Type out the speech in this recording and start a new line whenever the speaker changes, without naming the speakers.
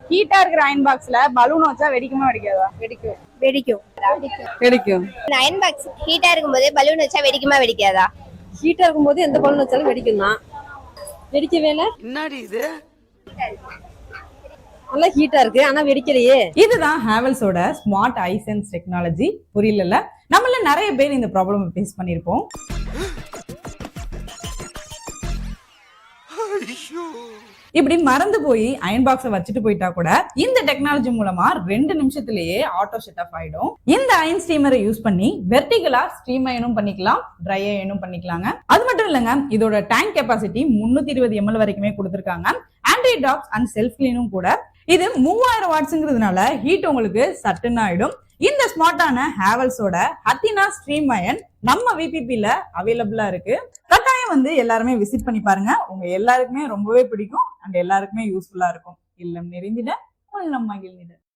ஹீட்டா இருக்கிற அயன் பாக்ஸ்ல பலூன் வச்சா வெடிக்குமா வெடிக்காதா?
வெடிக்கும்.
வெடிக்கும்.
வெடிக்கும்.
அயன் பாக்ஸ் ஹீட்டா இருக்கும்போது பலூன் வச்சா வெடிக்குமா வெடிக்காதா?
ஹீட்டா இருக்கும்போது எந்த பலூன் வச்சாலும் வெடிக்கும் தான். வெடிக்கவே இல்ல.
என்னடி இது?
நல்லா ஹீட்டா இருக்கு ஆனா வெடிக்கலையே.
இதுதான் ஹேவல்ஸோட ஸ்மார்ட் ஐ சென்ஸ் டெக்னாலஜி. புரியல, நம்மள நிறைய பேர் இந்த ப்ராப்ளம் ஃபேஸ் பண்ணிருப்போம். இப்படி மறந்து போய் அயன் பாக்ஸை வச்சுட்டு போயிட்டா கூட இந்த டெக்னாலஜி மூலமா 2 நிமிஷத்திலேயே ஆட்டோ ஷட் ஆஃப் ஆயிடும். இந்த அயன் ஸ்டீமரை யூஸ் பண்ணி வெர்டிகலா ஸ்டீம் அயனும் பண்ணிக்கலாம், ட்ரை அயனும் பண்ணிக்கலாங்க. அது மட்டும் இல்லங்க, இதோட டேங்க் கெபாசிட்டி 320 ml வரைக்குமே கொடுத்திருக்காங்க. ஆன்டி டாப்ஸ் அண்ட் செல்ஃப் கிளீனும் கூட. இது 3000 வாட்ஸ்ங்கிறதுனால ஹீட் உங்களுக்கு சட்டுன்னு ஆயிடும். இந்த ஸ்மார்ட்டான ஹேவல்ஸோட ஹத்தினா ஸ்ட்ரீம் அயன் நம்ம விபிபில அவைலபிளா இருக்கு. கட்டாயம் வந்து எல்லாருமே விசிட் பண்ணி பாருங்க. உங்க எல்லாருக்குமே ரொம்பவே பிடிக்கும் அண்ட் எல்லாருக்குமே யூஸ்ஃபுல்லா இருக்கும். இல்லம் நிறைந்திட உள்ளம் மகிழ்ந்திட.